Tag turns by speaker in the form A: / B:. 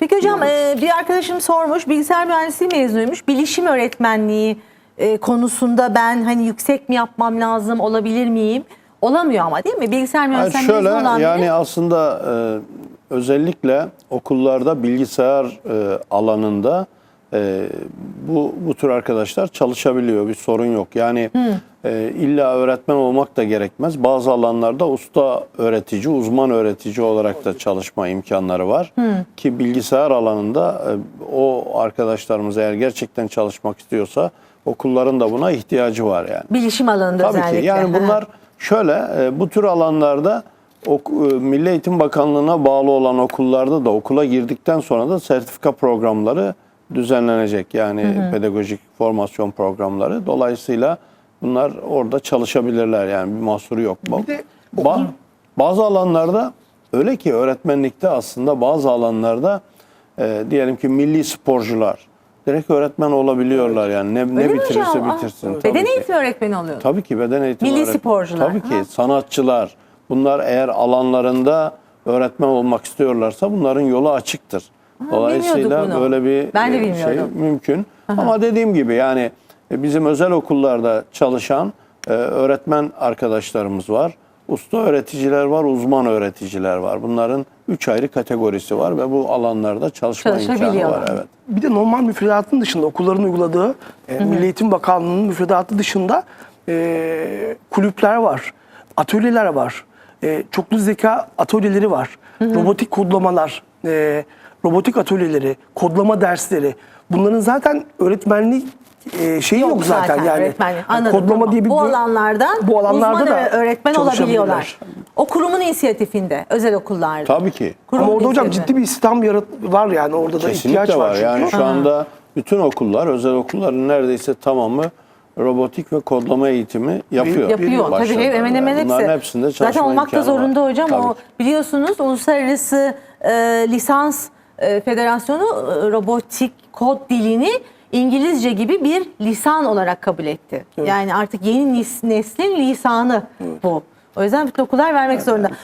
A: Peki hocam bir arkadaşım sormuş, bilgisayar mühendisliği mezunuymuş. Bilişim öğretmenliği konusunda ben hani yüksek mi yapmam lazım, olabilir miyim? Olamıyor ama değil mi? Bilgisayar mühendisliği mezunu olan
B: yani
A: biri.
B: aslında özellikle okullarda bilgisayar alanında bu tür arkadaşlar çalışabiliyor. Bir sorun yok. Yani illa öğretmen olmak da gerekmez. Bazı alanlarda usta öğretici, uzman öğretici olarak da çalışma imkanları var. Ki bilgisayar alanında o arkadaşlarımız eğer gerçekten çalışmak istiyorsa okulların da buna ihtiyacı var yani.
A: Bilişim alanında
B: Tabii
A: özellikle.
B: ki. Yani bunlar şöyle, bu tür alanlarda Milli Eğitim Bakanlığı'na bağlı olan okullarda da okula girdikten sonra da sertifika programları düzenlenecek. Yani pedagojik formasyon programları. Dolayısıyla bunlar orada çalışabilirler yani bir mahsuru yok.
C: Bir de
B: Bazı alanlarda öyle ki öğretmenlikte aslında bazı alanlarda diyelim ki milli sporcular direkt öğretmen olabiliyorlar yani ne
A: mi
B: bitirirse
A: hocam?
B: bitirsin.
A: Beden
B: Tabii ki.
A: eğitimi öğretmeni oluyor.
B: Tabii ki beden eğitimi
A: Milli sporcular.
B: Tabii ki sanatçılar. Bunlar eğer alanlarında öğretmen olmak istiyorlarsa bunların yolu açıktır. Dolayısıyla
A: bunu.
B: böyle bir
A: Ben de
B: şey
A: bilmiyordum.
B: mümkün. Ama dediğim gibi yani bizim özel okullarda çalışan öğretmen arkadaşlarımız var. Usta öğreticiler var, uzman öğreticiler var. Bunların 3 ayrı kategorisi var ve bu alanlarda çalışma imkanı var. Evet.
C: Bir de normal müfredatın dışında okulların uyguladığı Milli Eğitim Bakanlığı'nın müfredatı dışında kulüpler var, atölyeler var, çoklu zeka atölyeleri var, robotik kodlamalar, robotik atölyeleri, kodlama dersleri. Bunların zaten öğretmenlik şeyi yok zaten yani.
A: Anladım,
C: Kodlama
A: tamam.
C: diye bir
A: bu alanlarda
C: alanlarda
A: uzman
C: da
A: öğretmen
C: çalışabilirler.
A: olabiliyorlar. O kurumun inisiyatifinde, özel okullarda.
B: Tabii ki.
A: Kurum
C: Ama orada hocam
A: inisiyatifi.
C: ciddi bir istihdam var yani orada da ihtiyaç
B: Kesinlikle
C: var.
B: var.
C: Çünkü.
B: Yani şu anda bütün okullar, özel okulların neredeyse tamamı robotik ve kodlama eğitimi yapıyor.
A: Yapıyor. Tabii
B: Başladılar.
A: hemen hemen
B: Yani
A: hepsi.
B: bunların hepsinde çalışma
A: Zaten olmak da
B: imkanı var.
A: zorunda hocam.
B: Tabii
A: O
B: ki.
A: biliyorsunuz Uluslararası Lisans Federasyonu robotik kod dilini İngilizce gibi bir lisan olarak kabul etti. Yani artık yeni neslin lisanı bu. O yüzden bütün okullar vermek zorunda.